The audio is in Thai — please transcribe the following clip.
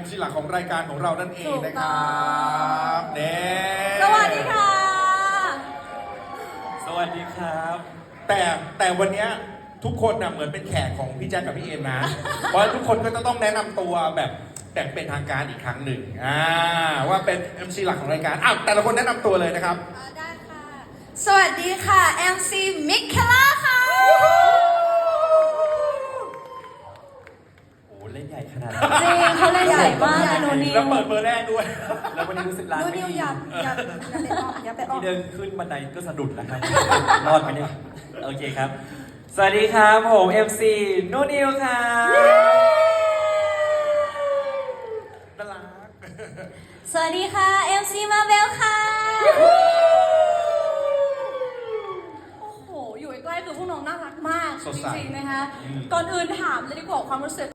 MC หลักของรายการของเรานั่นเองนะครับเน่สวัสดีค่ะสวัสดีครับแต่วันนี้ทุกคนน่ะเหมือนเป็นแขกของพี่แจ๊คกับพี่เอ็นนะ เพราะทุกคนก็จะต้องแนะนำตัวแบบเป็นทางการอีกครั้งหนึ่งว่าเป็น MC หลักของรายการแต่ละคนแนะนำตัวเลยนะครับได้ค่ะสวัสดีค่ะ MC มิคเคล่าค่ะโอ้เล่นใหญ่ขนาดนี้จริงเขาเล่นใหญ่มากเลยโนนิวแล้วเปิดเบอร์แรกด้วยแล้ววันนี้รู้สึกร้านโนไม่นิวดีอย่าไปออกที่เดินขึ้นบันไดก็สะดุดนะครับ รอดไหมเนี่ยโอเคครับ สวัสดีครับผม MC นูนิวครับน่ารักสวัสดีค่ะ MC มาเบลค่ะโอ้โหอยู่ใกล้ๆคือพวกน้องน่ารักมากจริงๆนะคะก่อนอื่นถามเลยดีกว่าความรู้สึก